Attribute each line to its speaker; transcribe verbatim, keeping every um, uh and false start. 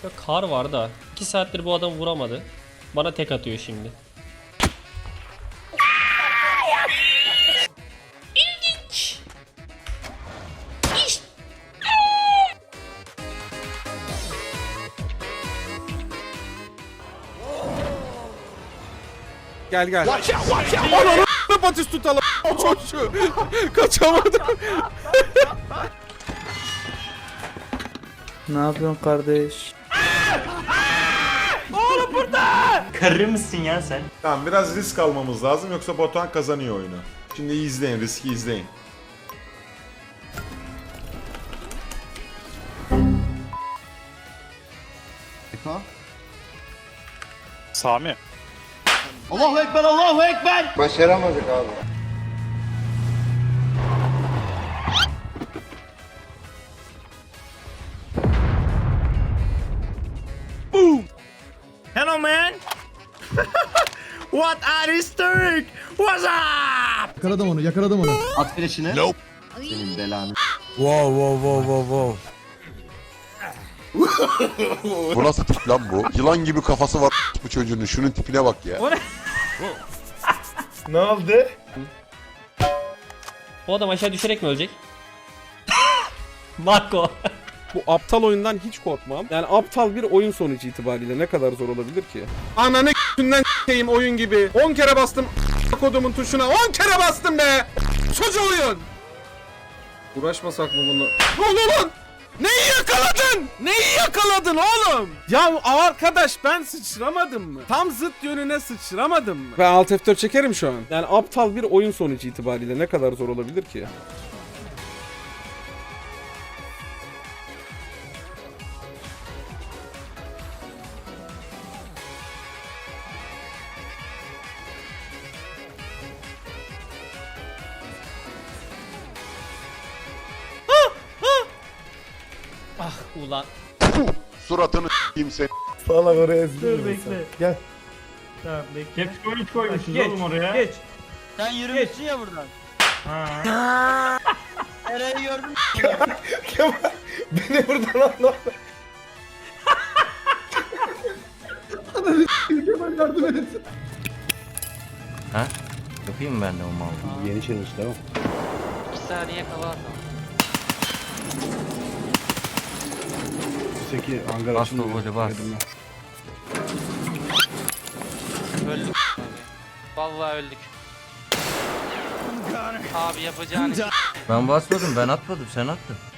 Speaker 1: Ya kar var da iki saattir bu adam vuramadı. Bana tek atıyor şimdi. İlginç. İşte.
Speaker 2: Gel gel. Ananı Batis tutalım. O çocuğu. Kaçamadım.
Speaker 3: Ne yapıyorsun kardeş?
Speaker 4: Karı mısın ya sen?
Speaker 5: Tamam biraz risk almamız lazım yoksa Batuhan kazanıyor oyunu. Şimdi izleyin, riski izleyin.
Speaker 6: Sami.
Speaker 4: Allahu Ekber, Allahu Ekber!
Speaker 7: Başaramadık abi.
Speaker 4: Hello man! What are you doing? What's up?
Speaker 8: Yakaladım onu, yakaladım onu.
Speaker 4: At flash'ını.
Speaker 6: Nope.
Speaker 4: Senin belanı.
Speaker 2: Wow wow wow wow wow.
Speaker 9: Bu nasıl tip lan bu? Yılan gibi kafası var bu çocuğun. Şunun tipine bak ya.
Speaker 7: Ne oldu?
Speaker 1: Bu adam aşağı düşerek mi ölecek? Marco.
Speaker 2: Bu aptal oyundan hiç korkmam. Yani aptal bir oyun sonucu itibariyle ne kadar zor olabilir ki? Ananı k***ünden s**eyim oyun gibi. on kere bastım kodumun tuşuna. on kere bastım be. Çocuğu oyun. Uğraşmasak mı bununla? Ne oldu lan? Neyi yakaladın? Neyi yakaladın oğlum? Ya arkadaş ben sıçramadım mı? Tam zıt yönüne sıçramadım mı? Ben alt F dört çekerim şu an. Yani aptal bir oyun sonucu itibariyle ne kadar zor olabilir ki?
Speaker 1: Ah ulan.
Speaker 9: Suratını s**eyim seni.
Speaker 7: Salak oraya ezdim.
Speaker 4: Dur bekle.
Speaker 7: Gel.
Speaker 4: Tamam bekle.
Speaker 6: Hep koymuş koymuşuz oğlum oraya.
Speaker 4: Geç.
Speaker 10: Sen yürümüşsün ya buradan.
Speaker 6: Ha.
Speaker 10: Eren'i gördün mü?
Speaker 7: Kemal beni buradan anla.
Speaker 8: Kemal yardım et.
Speaker 4: Yapayım ben de o malı.
Speaker 7: Yeni challenge tamam.
Speaker 10: İki saniye kala atalım.
Speaker 7: Seki hangar
Speaker 4: Bas
Speaker 7: açılmıyor.
Speaker 4: o golü, bas.
Speaker 10: Öldük abi. Vallahi öldük. Abi yapacağın iş.
Speaker 4: Ben basmadım, ben atmadım, sen attın.